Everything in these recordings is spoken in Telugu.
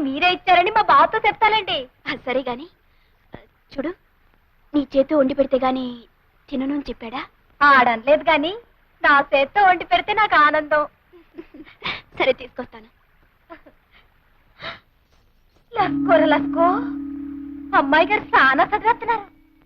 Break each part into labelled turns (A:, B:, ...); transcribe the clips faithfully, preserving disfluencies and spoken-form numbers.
A: మీరే ఇచ్చారని మా బావతో చెప్తానండి. సరే గాని చూడు, నీ చేతితో వండి పెడితే గాని తినను అని చెప్పాడా? ఆడనలేదు గాని నా చేతితో వండి పెడితే నాకు ఆనందం. సరే తీసుకొస్తాను. లస్కోర లస్కో, అమ్మాయి గారు చాలా చదివేస్తున్నారు.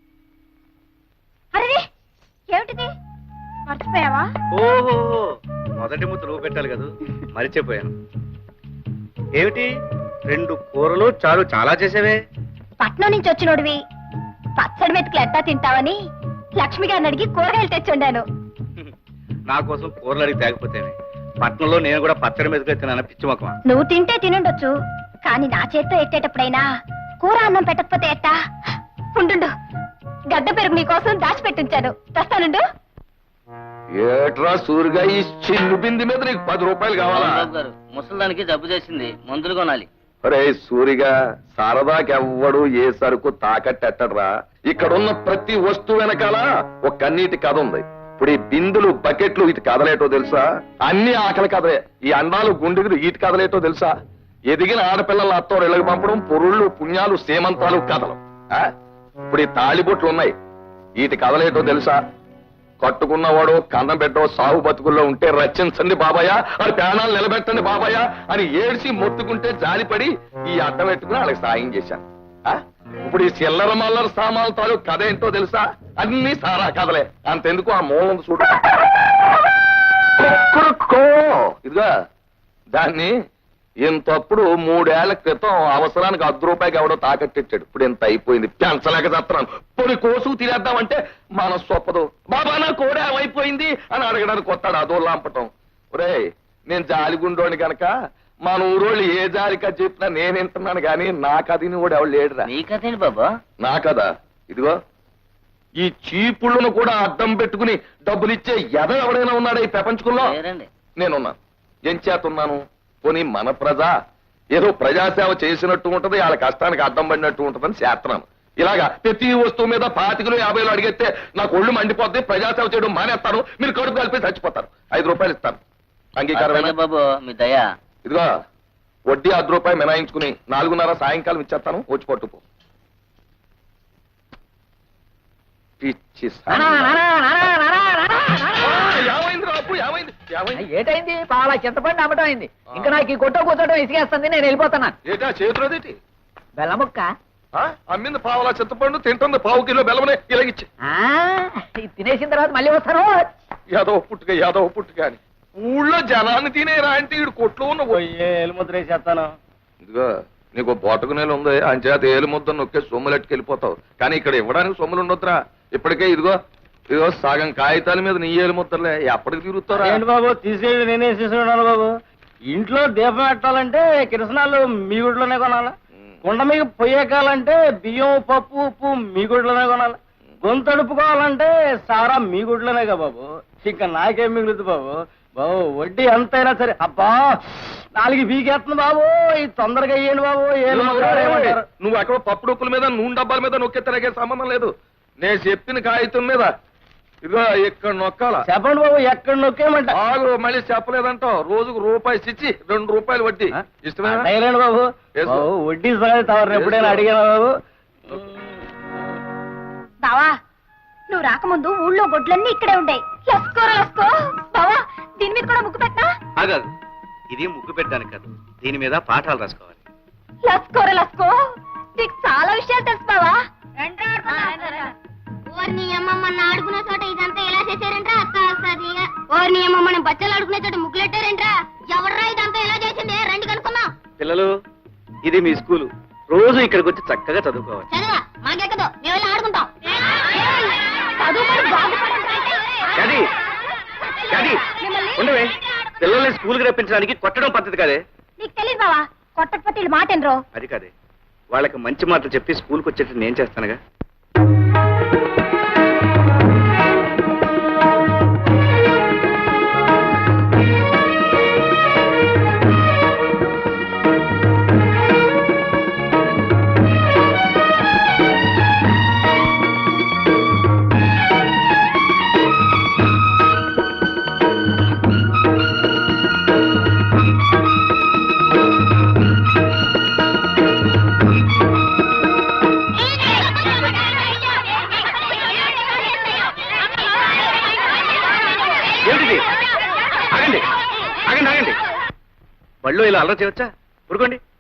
A: అరే ఏమిటిది, మర్చిపోయావా?
B: ఓహో, మొదటి ముద్ద నువ్వు పెట్టాలి కదా, మరిచిపోయాను. ఏమిటి రెండు కూరలు చాలు చాలా చేసేవే?
A: పట్నం నుంచి వచ్చినోడివి పచ్చడి మెతుకులు ఎట్టా తింటావని లక్ష్మి గారిని అడిగి కూరగాయలు తెచ్చుండాను.
B: నా కోసం కూరలు అడిగి తేకపోతేనే. పట్నంలో నేను కూడా పచ్చడి మెతుకులు తిన్నాను, పిచ్చి మొక్కమా.
A: నువ్వు తింటే తినుండొచ్చు, కానీ నా చేత్తో ఎట్టేటప్పుడైనా కూర అన్నం పెట్టకపోతే ఎట్టా? ఉండు, గడ్డ పెరుగు నీ కోసం దాచిపెట్టించాను, తెస్తానుండు.
C: ఏట్రా సూరిగా ఈ చిల్లు బింది మీద నీకు పది రూపాయలు కావాలా?
D: ముసలిదానికి జబ్బు చేసింది, మందులు కొనాలి.
C: అరే సూరిగా, సరదాకెవ్వడు ఏ సరుకు తాకట్టెట్టడ్రా. ఇక్కడున్న ప్రతి వస్తువు వెనకాల ఒక కన్నీటి కథ ఉంది. ఇప్పుడు ఈ బిందులు బకెట్లు ఇటు కదలేటో తెలుసా? అన్ని ఆకలి కథలే. ఈ అండాలు గుండెలు ఇటు కదలేటో తెలుసా? ఎదిగిన ఆడపిల్లల అత్తో ఇళ్ళకి పంపడం, పొరుళ్ళు పుణ్యాలు సేమంతాలు కథలు. ఇప్పుడు ఈ తాళిబొట్లు ఉన్నాయి, వీటి కదలేటో తెలుసా? కట్టుకున్నవాడు కన్నం పెట్టో సాగు బతుకుల్లో ఉంటే రచించండి బాబాయ్, అది ప్రాణాలు నిలబెట్టండి బాబాయ్ అని ఏడ్చి మొత్తుకుంటే జాలిపడి ఈ అడ్డం పెట్టుకుని వాళ్ళకి సాయం చేశాను. ఇప్పుడు ఈ చిల్లర మల్లర సామాన్ల తాలూకు కథ ఏంటో తెలుసా? అన్ని సారా కథలే. అంతెందుకు ఆ మూలం చూడు, ఇదిగా దాన్ని ఇంతప్పుడు మూడేళ్ల క్రితం అవసరానికి అర్ధ రూపాయికి ఎవడో తాకట్టిచ్చాడు. ఇప్పుడు ఇంత అయిపోయింది, పెంచలేక చేస్తున్నాను. పొడి కోసు తినేద్దామంటే మనస్సు ఒప్పదు. బాబా నా కోడే అయిపోయింది అని అడగడానికి వస్తాడు, అదో లాంపటం. ఒరే నేను జాలిగుండోని గనక మన ఊరోళ్ళు ఏ జాలికా చెప్పినా నేను వింటున్నాను గాని నా కథని కూడా ఎవడు లేడురా.
D: నీ కథేంటి బాబా?
C: నా కదా ఇదిగో, ఈ చీపుళ్ళను కూడా అడ్డం పెట్టుకుని డబ్బులు ఇచ్చే ఎద ఎవడైనా ఉన్నాడా ఈ ప్రపంచంలో? నేనున్నాను. ఏం చేతున్నాను? పోనీ మన ప్రజ ఏదో ప్రజాసేవ చేసినట్టు ఉంటది, వాళ్ళ కష్టానికి అడ్డం పడినట్టు ఉంటదని చేస్తున్నాను. ఇలాగా ప్రతి వస్తువు మీద పాతికలు యాభైలు అడిగితే నాకు ఒళ్ళు మండిపోద్ది, ప్రజాసేవ చేయడం మానేస్తాను, మీరు కడుపు కలిపి చచ్చిపోతారు. ఐదు రూపాయలు ఇస్తాను, అంగీకారమైన
D: బాబు మీ దయా.
C: ఇదిగో వడ్డీ అర్ధ రూపాయి మినాయించుకుని నాలుగున్నర సాయంకాలం ఇచ్చేస్తాను, వచ్చి పట్టుకో. పిచ్చి
E: ఏటైంది? పాల చింతపండి అమ్మటం అయింది. ఇంకా నాకు ఈ కొట్ట కూర్చోటం ఇసుకేస్తుంది, నేను వెళ్ళిపోతున్నాను.
C: ఏటా చేతులదేటి?
E: బెల్లముక్క
C: అమ్మింది పావులా చింతపండు, తింటుంది పావు కిలో బెల్లమనే ఇలాగిచ్చి.
E: తినేసిన తర్వాత మళ్ళీ వస్తాను.
C: యాదవ పుట్టుక యాదవ పుట్టుక అని ఊళ్ళో జనాన్ని తినేరా అంటే ఈడు కొట్లో ఉన్న
D: ఏలుముద్ర వేసేస్తాను.
C: ఇదిగో నీకు బోటకు నేలు ఉంది, అంచేత ఏలు ముద్ద నొక్కే సొమ్ములెట్టుకు వెళ్ళిపోతావు. కానీ ఇక్కడ ఇవ్వడానికి సొమ్ములు ఉండొద్దురా. ఇప్పటికే ఇదిగో ఇదిగో సగం కాగితాల మీద నీ ఏలు ముద్దలే, ఎప్పటికి తిరుగుతారా?
D: ఏంటి బాబు తీసేది, నేనే తీసుకున్నాను బాబు. ఇంట్లో దీపం పెట్టాలంటే కిరసనాలు మీ గుడిలోనే కొనాలి, కుండ మీద పొయ్యకాలంటే బియ్యం పప్పు ఉప్పు మీ గుడిలోనే కొనాలి, గొంతు అడుపుకోవాలంటే సారా మీ గుడిలోనేగా బాబు. ఇంకా నాకేం మిగులుతుంది బాబు? బాబు వడ్డీ ఎంతైనా సరే. అబ్బా నాలుగు బీకేస్తుంది బాబు, ఇది తొందరగా అయ్యండి బాబు. ఏమంటారు?
C: నువ్వు అక్కడ పప్పు డొక్కుల మీద నూనె డబ్బాల మీద నొక్కెత్తరాగే సంబంధం లేదు. నేను చెప్పిన కాగితం మీద ఇదిగో ఇక్కడ నొక్కాల.
D: చెప్పండి బాబు, ఎక్కడ నొక్కేయమంట?
C: ఆగు, మళ్ళీ చెప్పలేదంటావు. రోజుకు రూపాయి ఇచ్చి రెండు రూపాయలు వడ్డీ ఇష్టమేనా
D: బాబు? వడ్డీ సంగతి తవరు ఎప్పుడైనా అడిగానా బాబు?
A: బావా నువ్వు రాకముందు ఊళ్ళో గొడ్లన్నీ ఇక్కడే ఉంటాయి. లస్కోరా లస్కో బావా, దీని మీద కూడా ముగ్గు పెట్టా?
B: ఆగాదు, ఇది ముగ్గు పెట్టడానికి కాదు, దీని మీద పాఠాలు రాసుకోవాలి.
A: లస్కోరా లస్కో, నీకు చాలా విషయాలు తెలుసు బావా.
F: ఓర్ని అమ్మమ్మని ఆడుకునే చోట ఇదంతా ఎలా చేశారంట్రా? అక్క వస్తుంది. ఓర్ని అమ్మమ్మని బచ్చలు ఆడుకునే చోట ముగ్గులెట్టారంట్రా? ఎవర్రా ఇదంతా ఎలా చేసింది? రండి కనుక్కుందాం.
B: పిల్లలు, ఇది మీ స్కూలు, రోజు ఇక్కడికి వచ్చి చక్కగా చదువుకోవాలి.
F: చదవా మాకెక్కదు, మేము వెళ్ళి ఆడుకుంటాం.
B: ఉండవే, పిల్లల్ని స్కూల్కి రప్పించడానికి కొట్టడం పద్ధతి కాదే.
A: నీకు తెలియదు బావా, కొట్టకపోతే మాట ఎనరో.
B: అది కాదే, వాళ్ళకి మంచి మాటలు చెప్పి స్కూల్కి వచ్చేటట్టు నేను చేస్తానుగా. ఏమిటిది? ఆగండి ఆగండి ఆగండి బళ్ళు ఇలా అల్లరి చేయవచ్చా ఊరుకోండి